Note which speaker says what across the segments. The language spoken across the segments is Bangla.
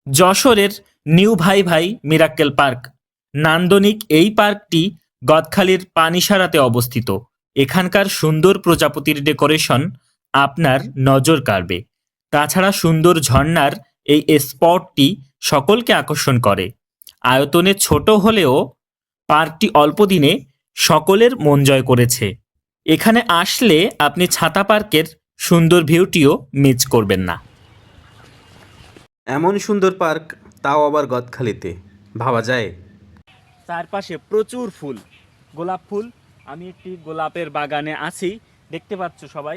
Speaker 1: যশোরের নিউ ভাই ভাই মিরাক্কেল পার্ক নান্দনিক এই পার্কটি গদখালির পানিসারাতে অবস্থিত। এখানকার সুন্দর প্রজাপতির ডেকোরেশন আপনার নজর কাড়বে। তাছাড়া সুন্দর ঝর্ণার এই স্পটটি সকলকে আকর্ষণ করে। আয়তনে ছোট হলেও পার্কটি অল্প দিনে সকলের মন জয় করেছে। এখানে আসলে আপনি ছাতা পার্কের সুন্দর ভিউটিও মিস করবেন না।
Speaker 2: এমন সুন্দর পার্ক, তাও আবার গদখালিতে, ভাবা যায়?
Speaker 1: চারপাশে প্রচুর ফুল, গোলাপ ফুল। আমি একটি গোলাপের বাগানে আছি, দেখতে পাচ্ছ সবাই।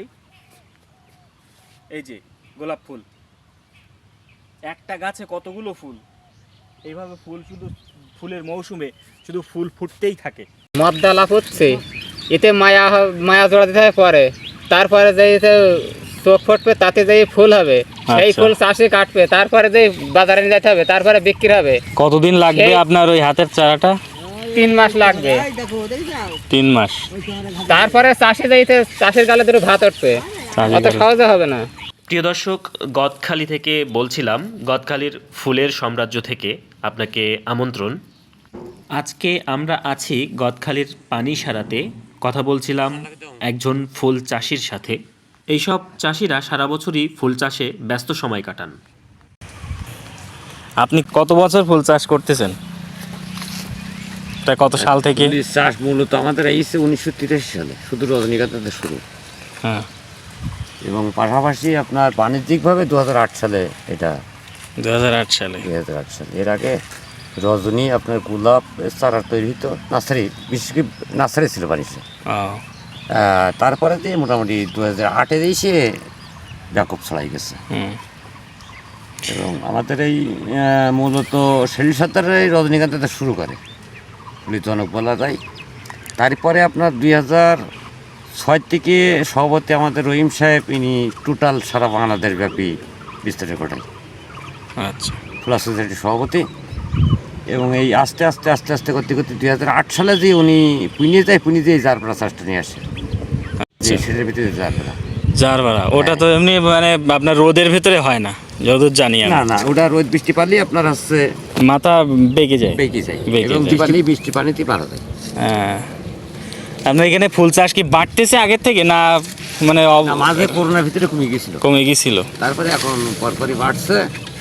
Speaker 1: এই যে গোলাপ ফুল, একটা গাছে কতগুলো ফুল। এইভাবে ফুল শুধু ফুলের মৌসুমে শুধু ফুল ফুটতেই থাকে।
Speaker 3: মদ্দা লাভ হচ্ছে, এতে মায়া জোড়া দিতে হবে পরে, তারপরে যে চোখ ফুটবে তাতে যে ফুল হবে, সেই ফুল চাষে কাটবে, তারপরে যে বাজারে নিয়ে যেতে হবে, তারপরে বিক্রি হবে।
Speaker 4: কতদিন লাগবে আপনার ওই হাতের চারাটা?
Speaker 3: 3 মাস লাগবে।
Speaker 4: 3 মাস।
Speaker 3: তারপরে চাষে যাইতে চাষের গালে দুটো ভাত উঠবে, অত সহজে হবে না।
Speaker 1: প্রিয় দর্শক, গদখালি থেকে বলছিলাম, গদখালির ফুলের সাম্রাজ্য থেকে আপনাকে আমন্ত্রণ। আজকে আমরা আছি গদখালির পানিসারাতে, কথা বলছিলাম একজন ফুল চাষির সাথে। এইসব চাষিরা সারা বছরই ফুল চাষে ব্যস্ত সময় কাটান।
Speaker 4: আপনি কত বছর ফুল চাষ করতেছেন? এটা কত সাল থেকে?
Speaker 5: ফুলের চাষ মূলত আমাদের এইছে 1983 সালে, শুধু রজনীগন্ধাতে শুরু।
Speaker 4: হ্যাঁ।
Speaker 5: এবং পাশাপাশি আপনার বাণিজ্যিকভাবে 2008 সালে এটা।
Speaker 4: 2008 সালে।
Speaker 5: 2008 সালে এর আগে রজনী, আপনার গোলাপ চারা তৈরি হতো, নার্সারি, বিশেষ করে নার্সারি ছিল বাণিজ্য। তারপরে দিয়ে মোটামুটি 2008-এ এসে ব্যাপক ছড়াই গেছে। এবং আমাদের এই মূলত শেলি সত্তরের এই রজনীগন্ধাতে শুরু করে জনক বলা যায়। তারপরে আপনার 2006 থেকে সভাপতি আমাদের রহিম সাহেব, ইনি টোটাল সারা বাংলাদেশ ব্যাপী বিস্তারিত ঘটায়।
Speaker 4: আচ্ছা।
Speaker 5: ফুল সোসাইটির সভাপতি। এবং এই আস্তে আস্তে আস্তে আস্তে করতে করতে 2008 সালে যে উনি পুনে যায় জারপাড়া চাষটা নিয়ে আসে। সেটার ভিতরে
Speaker 4: জারপাড়া, ওটা তো এমনি মানে আপনার রোদের ভিতরে হয় না যতদূর জানি আমি।
Speaker 5: না, ওটা রোদ বৃষ্টি পারলেই আপনার হচ্ছে
Speaker 4: মাথা বেঁকে যায়।
Speaker 5: এবং বৃষ্টি পানিতে পারা যায়।
Speaker 4: হ্যাঁ। আপনার এখানে ফুল চাষ কি বাড়তেছে আগের থেকে, না মানে
Speaker 5: মাঝে করোনার ভিতরে কমে গেছিল, তারপরে এখন পরপরই বাড়ছে।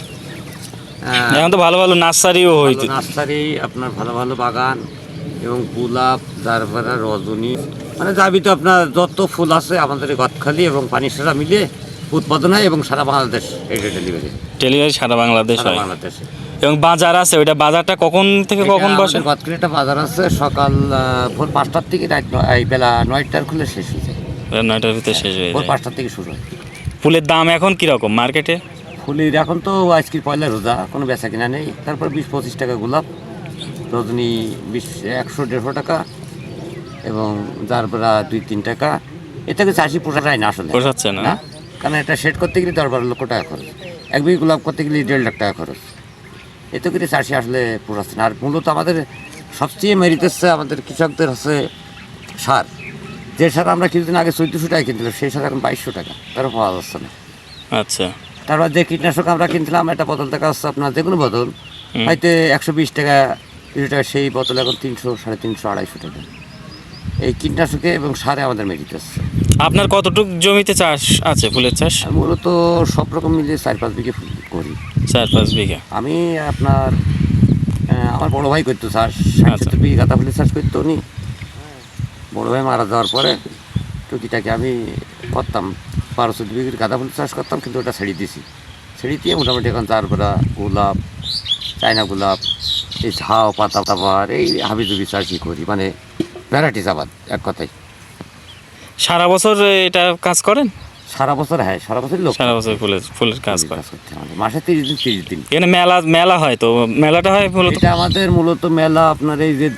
Speaker 4: এখন তো ভালো ভালো নার্সারিও হয়েছে।
Speaker 5: নার্সারি, আপনার ভালো ভালো বাগান এবং গোলাপ, তারপরে রজনী, মানে যাবি তো আপনার যত ফুল আছে আমাদের গদখালি এবং পানিসারা মিলে উৎপাদন হয় এবং সারা বাংলাদেশ এটা ডেলিভারি
Speaker 4: সারা বাংলাদেশ হয়।
Speaker 5: বাংলাদেশে।
Speaker 4: এবং বাজার আছে, ওইটা বাজারটা কখন থেকে কখন বসে?
Speaker 5: গদখালি একটা বাজার আছে, সকাল ভোর 5টার থেকে রাত বেলা 9টার খুলে শেষ হয়ে যায়।
Speaker 4: 9টার ভিতরে শেষ হয়ে যায়।
Speaker 5: ভোর 5টার থেকে শুরু হয়।
Speaker 4: ফুলের দাম এখন কিরকম মার্কেটে?
Speaker 5: ফুলের এখন তো আজকের পয়লা রোজা, কোনো বেচা কিনা নেই। তারপর 20-25 টাকা গোলাপ, রজনী 100-150 টাকা, এবং জারপাড়া 2-3 টাকা। এ থেকে চাষি পোষায় না, আসলে
Speaker 4: পোষাচ্ছে না।
Speaker 5: কারণ এটা সেট করতে গেলে 10-12 লক্ষ টাকা খরচ, 1 বিঘা গোলাপ করতে গেলে 1.5 লাখ টাকা খরচ। এতে করে চাষি আসলে পোষাচ্ছে না। আর মূলত আমাদের সবচেয়ে মেরিট হচ্ছে আমাদের কৃষকদের হচ্ছে সার। যে সার আমরা কিছুদিন আগে 1400 টাকা কিনছিলাম, সেই সার এখন 2200 টাকা, তারও পাওয়া যাচ্ছে না।
Speaker 4: আচ্ছা।
Speaker 5: তারপর যে কীটনাশক আমরা কিনছিলাম, এটা বোতল টাকা হচ্ছে আপনার যে কোনো বোতল হয়তো 120 টাকা 20 টাকা, সেই বোতল এখন 300, 350, 250 টাকা। এই কীটনাশকে এবং সারে আমাদের মেরিট আসছে।
Speaker 4: আপনার কতটুকু জমিতে চাষ আছে ফুলের চাষ?
Speaker 5: মূলত সব রকম মিলিয়ে 4-5 বিঘে ফুল করি।
Speaker 4: 4-5 বিঘা।
Speaker 5: আমি আপনার আমার বড় ভাই করতো চাষ, 60-70 বিঘে গাঁদা ফুলের চাষ করতো উনি। বড় ভাই মারা যাওয়ার পরে টুকিটাকে আমি করতাম, 12-14 বিঘের গাঁদা ফুলের চাষ করতাম, কিন্তু ওটা ছেড়ে দিয়েছি। ছেড়ে দিয়ে মোটামুটি এখন জারপাড়া, গোলাপ, চায়না গোলাপ, এই ঝাউ পাতা তাবার, এই হাবিজুবি চাষই করি, মানে ভ্যারাইটিস আবাদ এক কথায়।
Speaker 4: সারা বছর এটা কাজ করেন?
Speaker 5: সারা বছর, হ্যাঁ সারা বছর লোক
Speaker 4: সারা বছর ফুলের কাজ করে।
Speaker 5: মাসে 30 দিন।
Speaker 4: এখানে মেলা হয়, তো মেলাটা হয় মূলত?
Speaker 5: এটা আমাদের মূলত মেলা আপনার এই যে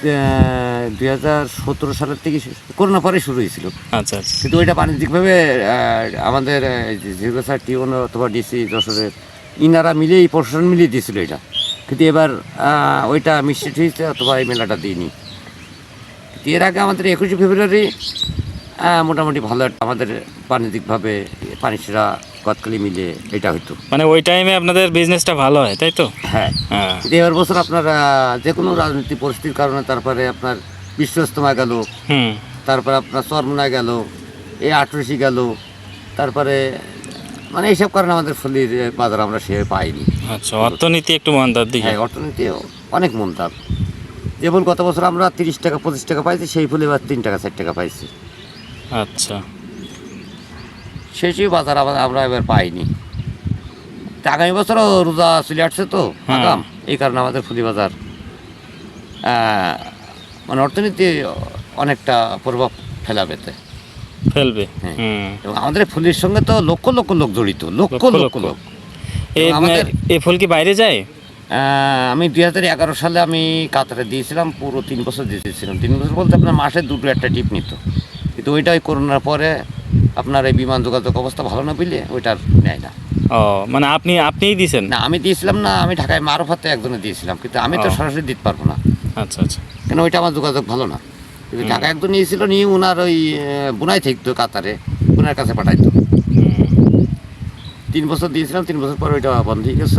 Speaker 5: 2017 সালের থেকে করোনা পরে শুরু হয়েছিল।
Speaker 4: আচ্ছা।
Speaker 5: কিন্তু ওইটা বাণিজ্যিকভাবে আমাদের জিরো স্যার টিউন অথবা ডিসি যশোরের ইনারা মিলেই, প্রশাসন মিলিয়ে দিয়েছিল এটা। কিন্তু এবার ওইটা মিশ্রিত হয়েছে, অথবা এই মেলাটা দিইনি। এর আগে আমাদের 21শে ফেব্রুয়ারি মোটামুটি ভালো একটা আমাদের বাণিজ্যিকভাবে পানিসেরা গদখালি মিলে এটা হইতো।
Speaker 4: মানে ওই টাইমে আপনাদের বিজনেসটা ভালো হয় তাই তো?
Speaker 5: হ্যাঁ,
Speaker 4: হ্যাঁ।
Speaker 5: কিন্তু এবার বছর আপনার যে কোনো রাজনৈতিক পরিস্থিতির কারণে তারপরে আপনার বিশ্ব ইজতেমা গেল,
Speaker 4: হুম।
Speaker 5: তারপরে আপনার চরমোনাই গেল, এই আটরশি গেল, তারপরে মানে এইসব কারণে আমাদের ফুলির বাজার আমরা সে পাইনি।
Speaker 4: আচ্ছা, অর্থনীতি একটু মন্দার দিকে।
Speaker 5: হ্যাঁ, অর্থনীতি অনেক মন্দার। যে ফুল গত বছর আমরা 30 টাকা 25 টাকা পাইছি, সেই ফুল এবার 3 টাকা 4 টাকা পাইছি।
Speaker 4: আচ্ছা।
Speaker 5: সেই বাজার আমরা এবার পাইনি। তা আগামী বছরও রোজা চলে আসছে তো
Speaker 4: হ্যাঁ।
Speaker 5: আগাম, এই কারণে আমাদের ফুলি বাজার মানে অর্থনীতি অনেকটা প্রভাব ফেলাবে।
Speaker 4: ফেলবে।
Speaker 5: হ্যাঁ।
Speaker 4: হুম।
Speaker 5: এবং আমাদের এই ফুলের সঙ্গে তো লক্ষ লক্ষ লোক জড়িত, লক্ষ লক্ষ লোক। আমাদের-
Speaker 4: এই ফুল কি বাইরে যায়?
Speaker 5: আমি 2011 সালে আমি কাতারে দিয়েছিলাম, পুরো 3 বছর দিয়েছিলাম। 3 বছর বলতে আপনার মাসে 2টো একটা টিপ নিত, কিন্তু ওইটাই করোনার পরে আপনার এই বিমান যোগাযোগ অবস্থা ভালো না পেলে ওইটার নেয় না।
Speaker 4: ও, মানে আপনিই দিয়েছেন?
Speaker 5: না, আমি দিয়েছিলাম না, আমি ঢাকায় মারুফাতে একজনে দিয়েছিলাম, কিন্তু আমি তো
Speaker 4: ও।
Speaker 5: সরাসরি দিতে পারবো না,
Speaker 4: আচ্ছা আচ্ছা।
Speaker 5: কেন ওইটা আমার যোগাযোগ ভালো না। কিন্তু ঢাকা একজন নিয়েছিল, নিয়ে ওনার ওই বুনাই থাকতো কাতারে, ওনার কাছে পাঠাইতো।
Speaker 4: হুম।
Speaker 5: 3 বছর দিয়েছিলাম, 3 বছর পর ওইটা বন্ধ হয়ে গেছে।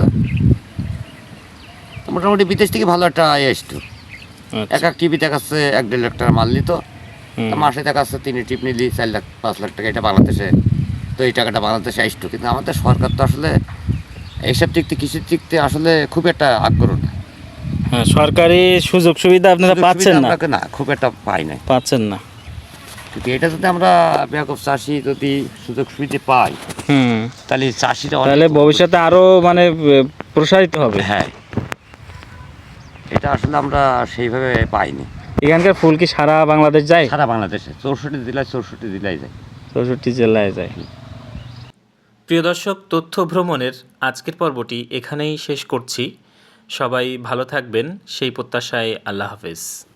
Speaker 5: তো মোটামুটি বিদেশ থেকে ভালো একটা আয় আসতো।
Speaker 4: আচ্ছা।
Speaker 5: এক টিভি দেখাচ্ছে 1-1.5 লাখ টাকা মাল নিত,
Speaker 4: হুম।
Speaker 5: তা মাসে দেখাচ্ছে 3 টিপ নিলি 4 লাখ 5 লাখ টাকা, এটা বাংলাদেশে। তো এই টাকাটা বাংলাদেশে আসতো, কিন্তু আমাদের সরকার তো আসলে এইসব দিক থেকে, কৃষির দিক থেকে আসলে খুব একটা আগ্রহ না।
Speaker 4: হ্যাঁ, সরকারি সুযোগ সুবিধা আপনারা
Speaker 5: সুযোগ
Speaker 4: পাচ্ছেন
Speaker 5: সুবিধা
Speaker 4: না?
Speaker 5: আমরা না, খুব একটা পাই নাই।
Speaker 4: পাচ্ছেন না।
Speaker 5: কিন্তু এটা যদি আমরা ব্যাপক চাষি যদি সুযোগ সুবিধা পাই,
Speaker 4: হুম।
Speaker 5: তাহলে চাষিরা অনেক-
Speaker 4: তাহলে ভবিষ্যতে আরো মানে প্রসারিত হবে।
Speaker 5: হ্যাঁ, এটা আসলে আমরা সেইভাবে পাইনি।
Speaker 4: এখানকার ফুল কি সারা বাংলাদেশ যায়?
Speaker 5: সারা বাংলাদেশে 64 জেলায় 64 জেলায় যায়।
Speaker 4: 64 জেলায় যায়।
Speaker 1: প্রিয় দর্শক, তথ্য ভ্রমণের আজকের পর্বটি এখানেই শেষ করছি। সবাই ভালো থাকবেন সেই প্রত্যাশায়। আল্লাহ হাফেজ।